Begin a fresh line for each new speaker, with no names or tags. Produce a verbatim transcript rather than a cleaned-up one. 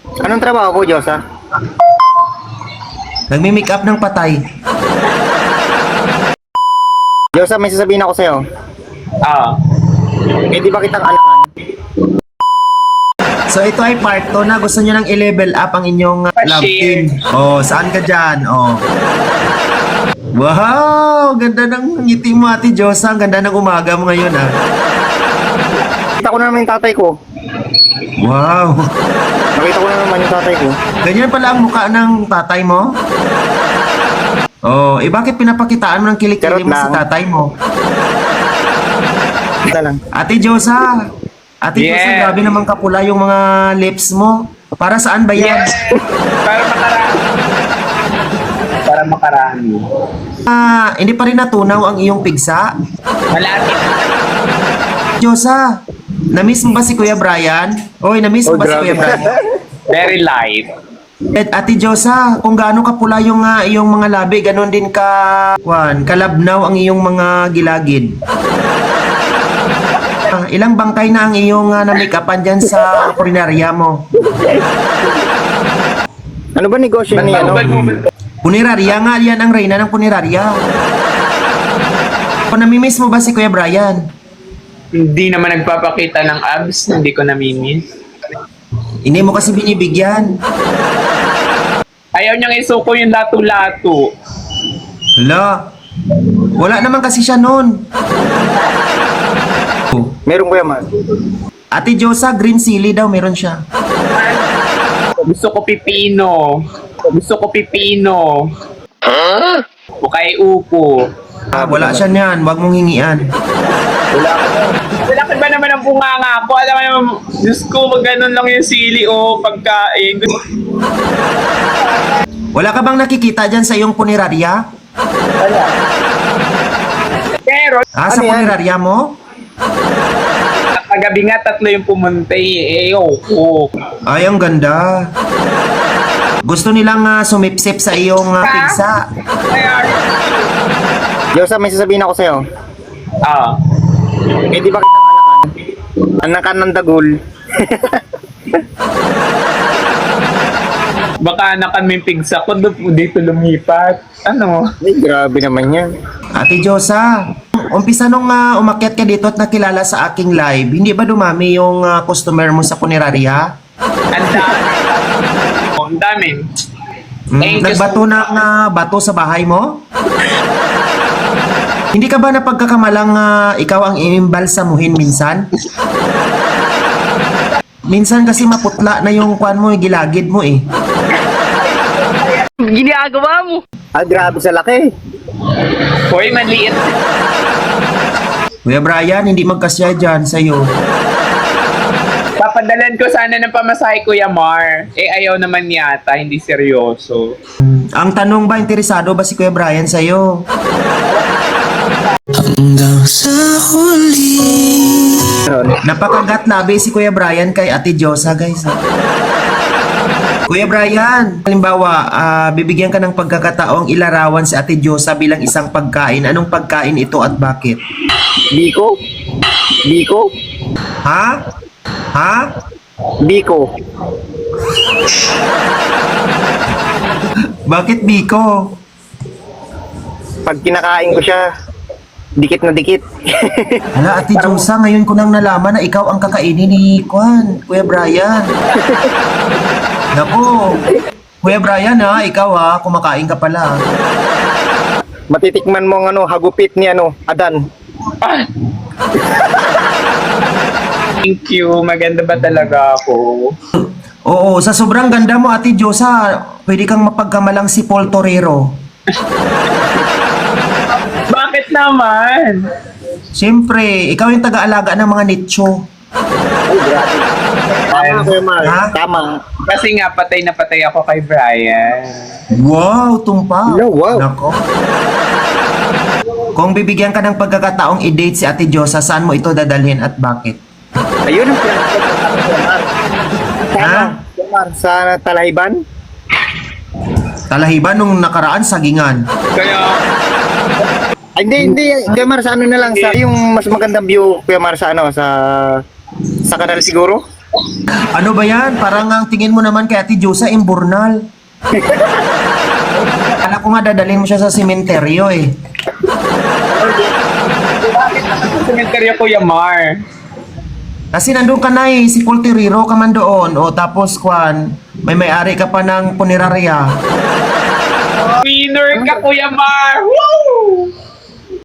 Anong trabaho ko, Diyosa?
Nagmi-make up ng patay.
Diyosa, may sasabihin ako sa'yo.
Ah.
Eh, di ba kitang alakan?
So ito ay part two na gusto nyo nang i-level up ang inyong uh, love
Pa-share.
team. Oh, saan ka dyan? Oh. Wow! Ganda ng ngiti mo, Ate Diyosa. Ang ganda ng umaga mo ngayon, ah.
Kita ko na naman yung tatay ko.
Wow!
Nakita ko na naman yung tatay ko.
Ganyan pala ang mukha ng tatay mo? Oh, eh bakit pinapakitaan mo ng kilikili
Charot
mo sa
lang.
tatay mo?
Kita lang.
Ate Diyosa! Ate
Yeah.
Diyosa, grabe naman kapula yung mga lips mo. Para saan ba yan?
Yes! Para makarami. Para makarami.
Ah, hindi pa rin natunaw ang iyong pigsa?
Malapit.
Diyosa, na-miss mo ba si Kuya Brian? Oy, na-miss mo
Oh,
ba si
grabe.
Kuya Brian?
Very light.
At Ate Diyosa, kung gaano kapula yung ah, iyong mga labi, ganon din ka, Juan, kalabnaw ang iyong mga gilagid. Ah, ilang bangkay na ang iyong uh, na-make-upan dyan sa kulinarya mo?
Ano ba negosyo ni ano?
Punerarya nga, yan ang reyna ng punerarya. Kung namimiss mo ba si Kuya Brian?
Hindi naman nagpapakita ng abs, hindi ko namimiss.
Hindi mo kasi binibigyan.
Ayaw niyang isuko yung lato-lato.
Hala, wala naman kasi siya nun.
Meron ko yaman.
Ate Diyosa, green chili daw meron siya.
Gusto ko pipino. Gusto ko pipino. Huh? O kay upo.
Ah, wala siya niyan, wag mong hingian.
Wala ka ba naman ang bunganga ko? Alam mo naman, Diyos ko, mag ganun lang yung sili o pagkain.
Wala ka bang nakikita dyan sa iyong punerarya?
Pero,
Ah, sa
Ano yan?
punerarya mo?
kagabi nga tatlo yung pumunta eh. Eh, oh.
Ay, ang ganda. Gusto nilang uh, sumipsip sa iyong uh, pigsa.
Diyosa, may sasabihin ako sa'yo.
Ah.
Eh, di ba kitang alakan? Anakan ng dagol.
Baka anakan mo yung pigsa ko, doon dito lumipat. Ano?
Ay, grabe naman yan.
Ate Diyosa, umpisa nung uh, umakyat ka dito at nakilala sa aking live, hindi ba dumami yung uh, customer mo sa punerarya?
Ang dami. Oh, ang dami.
Hmm,
Eh,
nagbato ng uh, bato sa bahay mo? Hindi ka ba napagkakamalang uh, ikaw ang inimbalsamuhin minsan? Minsan kasi maputla na yung kwan mo, yung gilagid mo eh.
Ginagawa mo.
Ah, grabe sa laki.
Hoy, maliit.
Kuya Brian, hindi magkasya dyan sa'yo.
Papadalan ko sana ng pamasahe, Kuya Mar. Eh, ayaw naman yata, hindi seryoso.
Ang tanong ba, interesado ba si Kuya Brian sa'yo?
Hanggang sa huli.
Napakagat labi si Kuya Brian kay Ate Diyosa, guys. Kuya Brian, halimbawa, ah, bibigyan ka ng pagkakataong ilarawan si Ate Diyosa bilang isang pagkain. Anong pagkain ito at bakit?
Biko? Biko?
Ha? Ha?
Biko.
Bakit Biko?
Pag kinakain ko siya, dikit na dikit.
Hala, Ate Diyosa, ngayon ko nang nalaman na ikaw ang kakainin ni Kwan, Kuya Brian. Naku, Kuya Brian ha, ikaw ha, kumakain ka pala.
Matitikman mo ang ano, hagupit ni ano, Adan.
Ah. Thank you. Maganda ba talaga ako?
Oo, sa sobrang ganda mo, Ate Diyosa, pwede kang mapagkamalang si Paul Torero.
Bakit naman?
Siyempre, ikaw yung taga-alaga ng mga nicho.
Tama, Kuya Mar.
Ha?
Tama.
Kasi nga, patay na patay ako kay Brian.
Wow, tumpa.
No, wow.
Nako. Kung bibigyan ka ng pagkakataong i-date si Ate Diyosa, saan mo ito dadalhin at bakit?
Ayun ang pinaka-Kuya Mar.
Ha?
Kuya Mar, sa Talahiban?
Talahiban nung nakaraan, sagingan.
Kaya,
Ay, hindi, hindi. Kuya Mar, sa ano na lang, sa yung mas magandang view, Kuya Mar, sa ano, sa sa kanal siguro?
Ano ba yan? Parang ang tingin mo naman kay Ate Diyosa, imburnal. Kala ko nga dadalhin mo siya sa sementeryo eh.
Cemetery Kuya Mar.
Kasi nandun ka na eh, si Pultiriro ka man doon. O tapos, Kwan, may may-ari ka pa ng punerarya.
Winner ka Kuya Mar. Woo!